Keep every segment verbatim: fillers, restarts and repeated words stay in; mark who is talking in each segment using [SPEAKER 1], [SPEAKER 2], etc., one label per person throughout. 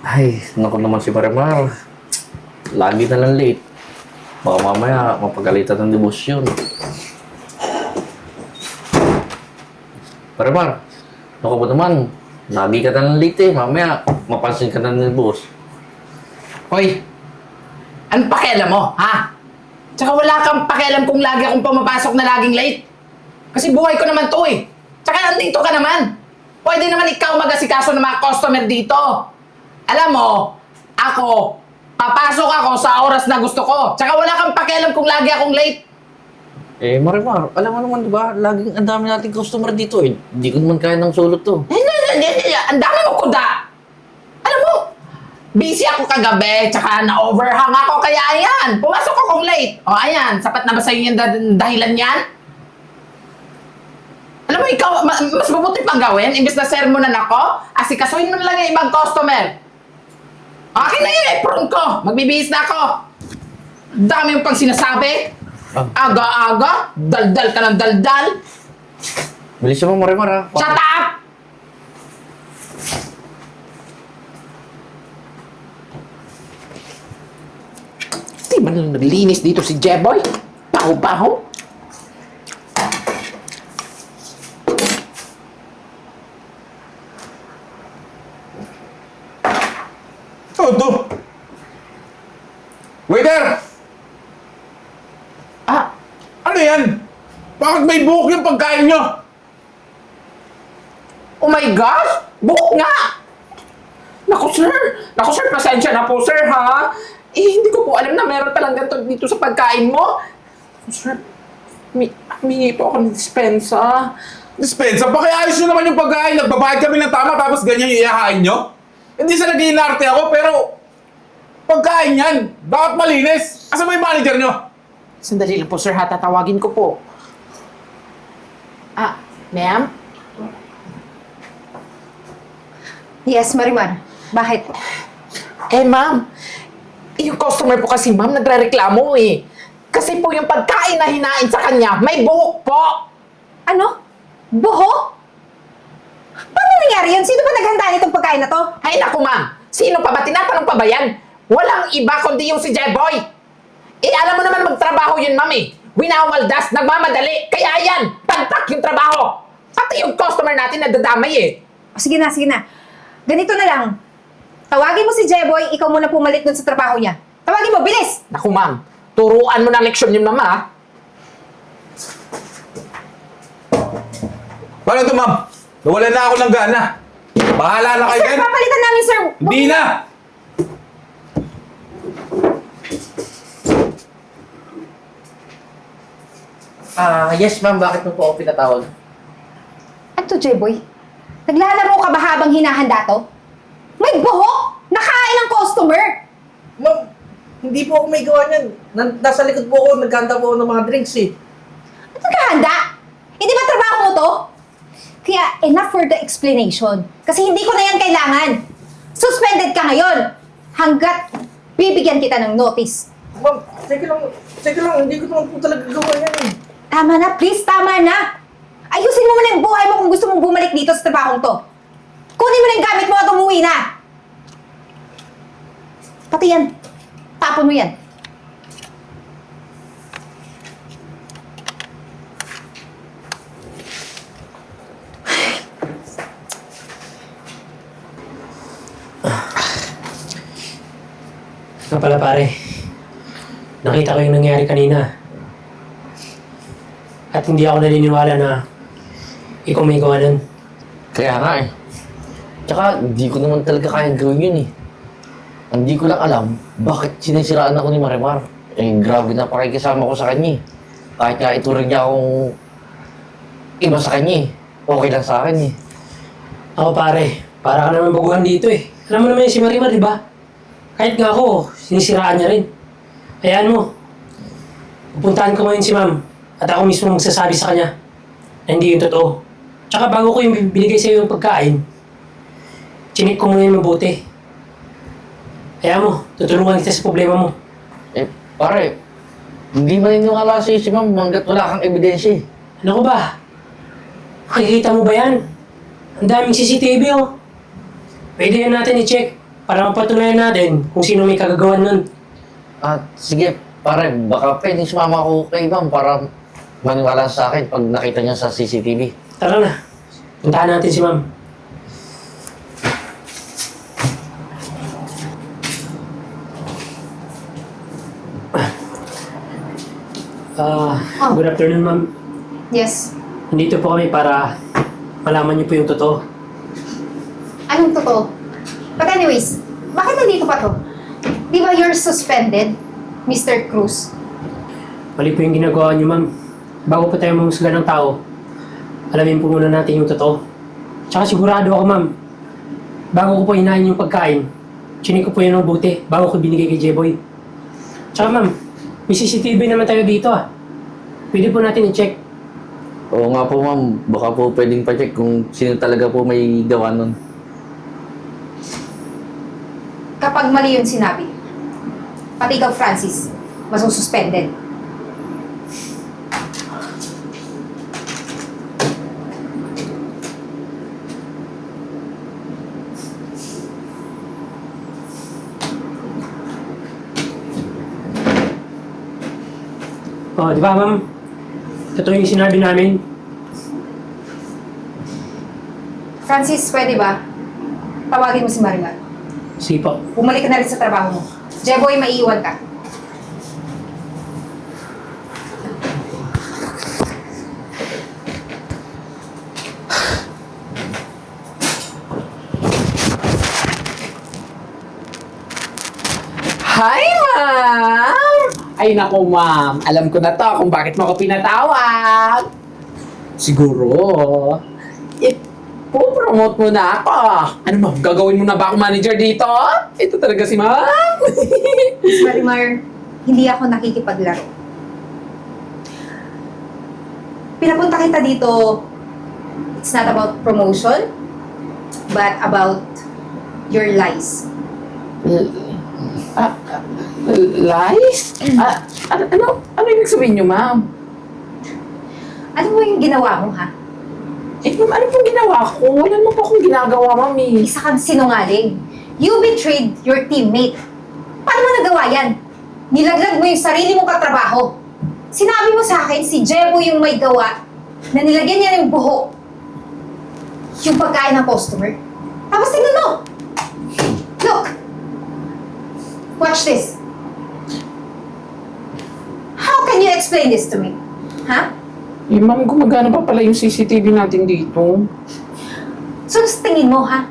[SPEAKER 1] Ay, naku naman si Marimar. Lagi na lang late. Baka mamaya mapagalitan ng debosyon. Marimar, naku ba naman? Lagi ka na lang late eh. Mamaya mapansin ka na ng boss.
[SPEAKER 2] Hoy, anong pakialam mo, ha? Tsaka wala kang pakialam kung lagi akong pumapasok na laging late. Kasi buhay ko naman to eh. Tsaka nandito ka naman. Pwede naman ikaw mag-asikaso ng mga customer dito. Alam mo, ako, papasok ako sa oras na gusto ko. Tsaka wala kang pakialam kung lagi akong late.
[SPEAKER 1] Eh, Marimar, alam mo naman diba, laging ang dami nating customer dito eh. Hindi ko naman kaya ng sulot to.
[SPEAKER 2] Hindi, hindi, hindi, hindi. Ang dami mo kuda. Alam mo, busy ako kagabi, tsaka na-overhang ako, kaya ayan, pumasok akong late. O ayan, sapat na ba sa'yo yung dah- dahilan yan? Alam mo, ikaw, ma- mas mabuti pang gawin, imbes na sermonan ako, asikasuhin mo na lang yung ibang customer. Akin na yung apron ko, magbibihis na ako. Dami yung pang sinasabi.
[SPEAKER 1] Ah.
[SPEAKER 2] Aga-aga, daldal ka ng daldal.
[SPEAKER 1] Bilis mo, Marimar ha.
[SPEAKER 2] Shut up! Di man lang naglinis dito si Jeboy. Paho-paho.
[SPEAKER 3] Oh, to. Waiter!
[SPEAKER 2] Ah,
[SPEAKER 3] Ano yan? Bakit may buhok yung pagkain nyo?
[SPEAKER 2] oh my gosh! Buhok nga! Naku sir! Naku sir, pasensya na po sir ha! Eh, hindi ko po alam na meron palang ganito dito sa pagkain mo. Naku sir, mi humingi po ako ng dispensa.
[SPEAKER 3] Dispensa, pakiayos nyo naman yung pagkain. Nagbabayad kami ng tama tapos ganyan yung iyahain nyo? Hindi sa nag-iinarte ako, pero pagkain yan. Dapat malinis. Asa mo yung manager nyo?
[SPEAKER 2] Sandali lang po sir ha, tatawagin ko po. Ah, ma'am?
[SPEAKER 4] Yes, Marimar. Bakit?
[SPEAKER 2] Eh ma'am, yung customer po kasi ma'am nagre-reklamo eh. Kasi po yung pagkain na hinain sa kanya, may buhok po!
[SPEAKER 4] Ano? Buho? Paano nangyari yun? Sino ba naghanda nitong pagkain na to?
[SPEAKER 2] Ay naku ma'am, sino pa ba? Tinatanong pa ba yan? Walang iba kundi yung si Jeboy. Eh alam mo naman magtrabaho yun ma'am eh. Winawaldas, nagmamadali, kaya yan, tagtak yung trabaho. Pati yung customer natin nadadamay eh.
[SPEAKER 4] O, sige na, sige na. Ganito na lang. Tawagin mo si Jeboy, ikaw muna pumalit dun sa trabaho niya. Tawagin mo, bilis!
[SPEAKER 2] Naku ma'am, turuan mo ng leksyon yun ma'am ha.
[SPEAKER 3] Paano to, ma'am? Nawalan na ako ng gana. Bahala na kayo
[SPEAKER 4] Sir,
[SPEAKER 3] dyan.
[SPEAKER 4] papalitan namin, sir!
[SPEAKER 3] Hindi na!
[SPEAKER 1] Ah, yes ma'am, bakit mo po ako pinatawag?
[SPEAKER 4] Ano to, Jeboy? Naglalaro ka ba habang hinahanda to? May buhok! Nakain ng customer!
[SPEAKER 5] Ma'am, hindi po ako may gawa niyan. Nan- nasa likod po ako, naghanda po ako ng mga drinks eh.
[SPEAKER 4] Ano nagkahanda? Hindi ba trabaho mo to? Kaya enough for the explanation. Kasi hindi ko na yan kailangan. Suspended ka ngayon. Hanggat bibigyan kita ng notice.
[SPEAKER 5] Ma'am, sige lang, sige lang, hindi ko naman po talaga gawa yan eh.
[SPEAKER 4] Tama na, please, tama na. Ayusin mo muna yung buhay mo kung gusto mong bumalik dito sa trabahong to. Kunin mo na yung gamit mo at umuwi na. Pati yan. Tapon mo yan.
[SPEAKER 6] Nga pala pare, nakita ko yung nangyari kanina. At hindi ako naniniwala na ikaw may gawa nun.
[SPEAKER 1] Kaya nga eh. Tsaka, hindi ko naman talaga kayang gawin yun eh. Hindi ko lang alam bakit sinisiraan ako ni Marimar. Eh, grabe na pakikisama ko sa kanya eh. Kahit nga ituring niya akong iba sa kanya eh. Okay lang sa akin eh.
[SPEAKER 6] Ako pare, para ka naman baguhan dito eh. Alam mo naman yung si Marimar, di ba? Kahit nga ako, sinisiraan niya rin. Hayaan mo. Pupuntahan ko ngayon si ma'am at ako mismo magsasabi sa kanya na hindi yung totoo. Tsaka bago ko yung binigay sa iyo yung pagkain, chinik ko muna yung mabuti. Hayaan mo, tutulungan kita sa problema mo.
[SPEAKER 1] Eh, pare, hindi maniniwala sa'yo si ma'am hanggat wala kang ebidensya eh.
[SPEAKER 6] Ano ko ba? Makikita mo ba yan? Ang daming C C T V oh. Pwede yan natin i-check. Para mapatunayan natin kung sino may kagagawan nun.
[SPEAKER 1] At sige, pare, baka pwedeng sumama ako kay ma'am para maniwala sa akin pag nakita niya sa C C T V.
[SPEAKER 6] Tara na. Puntahan natin si ma'am. Ah,
[SPEAKER 4] Oh.
[SPEAKER 6] good afternoon, ma'am.
[SPEAKER 4] Yes.
[SPEAKER 6] Nandito po kami para malaman niyo po yung totoo.
[SPEAKER 4] Anong totoo? But anyways, bakit nandito pa to? Di ba you're suspended, Mister Cruz?
[SPEAKER 6] Mali po yung ginagawa niyo, ma'am. Bago po tayo mamusga ng tao, alamin po muna natin yung totoo. Tsaka sigurado ako, ma'am. Bago ko po hinahin yung pagkain, chinik ko po yun ng buti bago ko binigay kay J-Boy. Tsaka, ma'am, may C C T V naman tayo dito, ah. Pwede po natin i-check.
[SPEAKER 1] Oo nga po ma'am, baka po pwedeng pa-check kung sino talaga po may gawa nun.
[SPEAKER 4] Kapag mali yung sinabi, pati ikaw, Francis, masususpended.
[SPEAKER 6] Oh, di ba, ma'am? Totoo yung sinabi namin.
[SPEAKER 4] Francis, pwede ba? Tawagin mo si Marimar.
[SPEAKER 6] Sige po.
[SPEAKER 4] Bumalik ka na rin sa trabaho mo. Jeboy, maiiwan ka.
[SPEAKER 2] Hi, ma'am! Ay, naku, ma'am. Alam ko na to kung bakit mo ako pinatawag. Siguro, ipo-promote mo na ako. Ano, ma'am? Gagawin mo na ba ako manager dito? Ito talaga si ma'am.
[SPEAKER 4] Miss Marimar, hindi ako nakikipaglaro. Pinapunta kita dito, it's not about promotion, but about your lies.
[SPEAKER 2] Ah, ah, lies? Ah, ano, ano, ano ibig sabihin niyo, ma'am?
[SPEAKER 4] Ano mo yung ginawa mo, ha?
[SPEAKER 2] Eh, ma'am, ano pong ginawa ko? Wala naman po akong ginagawa, ma'am, eh.
[SPEAKER 4] Isa kang sinungaling. You betrayed your teammate. Paano mo nagawa yan? Nilaglag mo yung sarili mong katrabaho. Sinabi mo sa akin, si Jebo yung may gawa na nilagyan niya ng buhok yung pagkain ng customer. Tapos tingnan mo! Look! Watch this. How can you explain this to me? Ha?
[SPEAKER 2] Eh, ma'am, gumagana pa pala yung C C T V natin dito.
[SPEAKER 4] So, sa tingin mo, ha?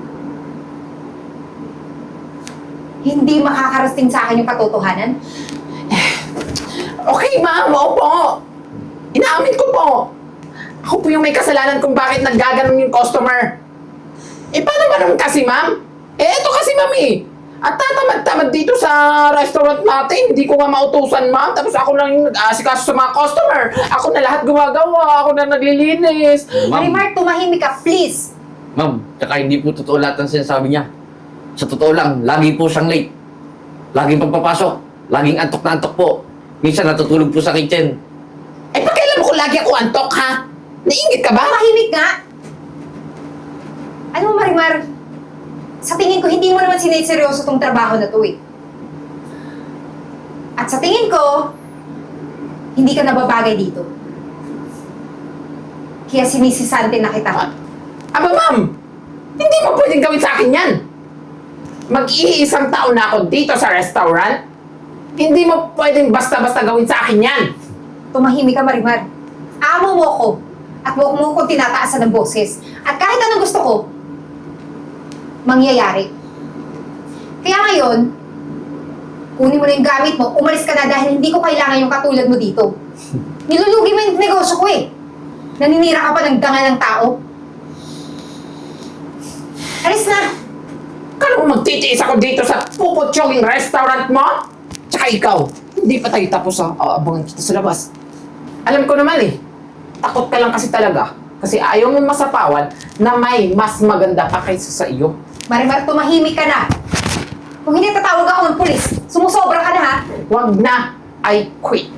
[SPEAKER 4] Hindi makakarating sa akin yung katotohanan?
[SPEAKER 2] Okay, ma'am, opo. Inaamin ko po. Ako po yung may kasalanan kung bakit naggaganon yung customer. Eh, paano ba naman kasi, ma'am? Eh, eto kasi, ma'am, eh. At tatamad-tamad dito sa restaurant natin. Hindi ko nga mautusan, ma'am. Tapos ako lang yung nag-aasikaso sa mga customer. Ako na lahat gumagawa. Ako na naglilinis.
[SPEAKER 1] Ma'am,
[SPEAKER 4] Marimar, tumahimik ka, please!
[SPEAKER 1] ma'am, tsaka hindi po totoo lahat ng sinasabi niya. Sa totoo lang, lagi po siyang late. Laging pagpapasok. Laging antok na antok po. Minsan natutulog po sa kitchen.
[SPEAKER 2] Eh, pakialam mo kung lagi ako antok, ha? Naingit ka ba?
[SPEAKER 4] Tumahimik nga! Ano mo, Marimar? Sa tingin ko, hindi mo naman siniseryoso tong trabaho na to, eh. At sa tingin ko, hindi ka nababagay dito. Kaya sinisisante na kita.
[SPEAKER 2] Aba, ma'am! Hindi mo pwedeng gawin sa akin yan! Mag-iisang taon na ako dito sa restaurant. Hindi mo pwedeng basta-basta gawin sa akin yan!
[SPEAKER 4] Tumahimik ka, Marimar. Amo mo ko. At huwag mo kong tinataasan ng boses. At kahit anong gusto ko, mangyayari. Kaya ngayon, kunin mo na yung gamit mo, umalis ka na dahil hindi ko kailangan yung katulad mo dito. Nilulugi mo yung negosyo ko eh. Naninira ka pa ng dangal ng tao. Alis na!
[SPEAKER 2] Kala mo magtitiis ako dito sa puputsyong restaurant mo? Tsaka ikaw, hindi pa tayo tapos ha. Aabangan kita sa labas. Alam ko naman eh, takot ka lang kasi talaga. Kasi ayaw mo masapawan na may mas maganda pa kaysa sa iyo.
[SPEAKER 4] Marimar, tumahimik ka na. Kung hindi tatawag ako ng pulis, sumusobra ka na ha.
[SPEAKER 2] Wag na, I quit.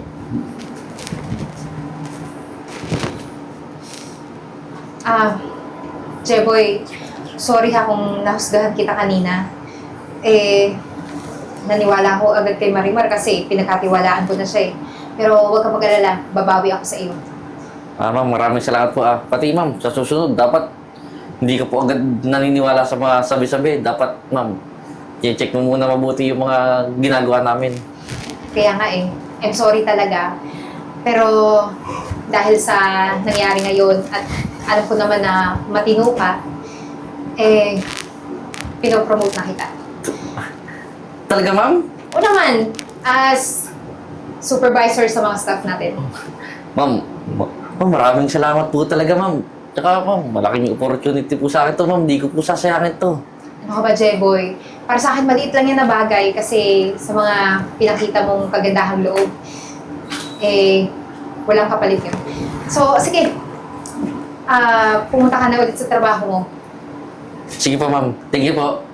[SPEAKER 4] Ah, Jeboy, sorry ha kung nahusgahan kita kanina. Eh, naniwala ako agad kay Marimar kasi pinagkatiwalaan ko na siya eh. Pero huwag ka mag-alala, babawi ako sa iyo.
[SPEAKER 1] Ah, ma'am, maraming salamat po ah. Pati ma'am, sa susunod, dapat hindi ka po agad naniniwala sa mga sabi-sabi. Dapat, ma'am, i-check mo muna mabuti yung mga ginagawa namin.
[SPEAKER 4] Kaya nga eh, I'm sorry talaga. Pero dahil sa nangyari ngayon at alam ko naman na matino ka, eh, pinopromote na kita.
[SPEAKER 1] Talaga, ma'am?
[SPEAKER 4] O naman, as supervisor sa mga staff natin.
[SPEAKER 1] Ma'am, ma- ma'am, maraming salamat po talaga, ma'am. Tsaka, ma'am, malaking opportunity po sa akin to, ma'am. Hindi ko po sasayangin to.
[SPEAKER 4] Ano ka ba, Jeboy? Para sa akin, maliit lang yan na bagay kasi sa mga pinakita mong kagandahang loob, eh, walang kapalit yun. So, sige. Ah, pumunta ka na ulit sa trabaho mo.
[SPEAKER 1] Sige po, ma'am. Thank you po.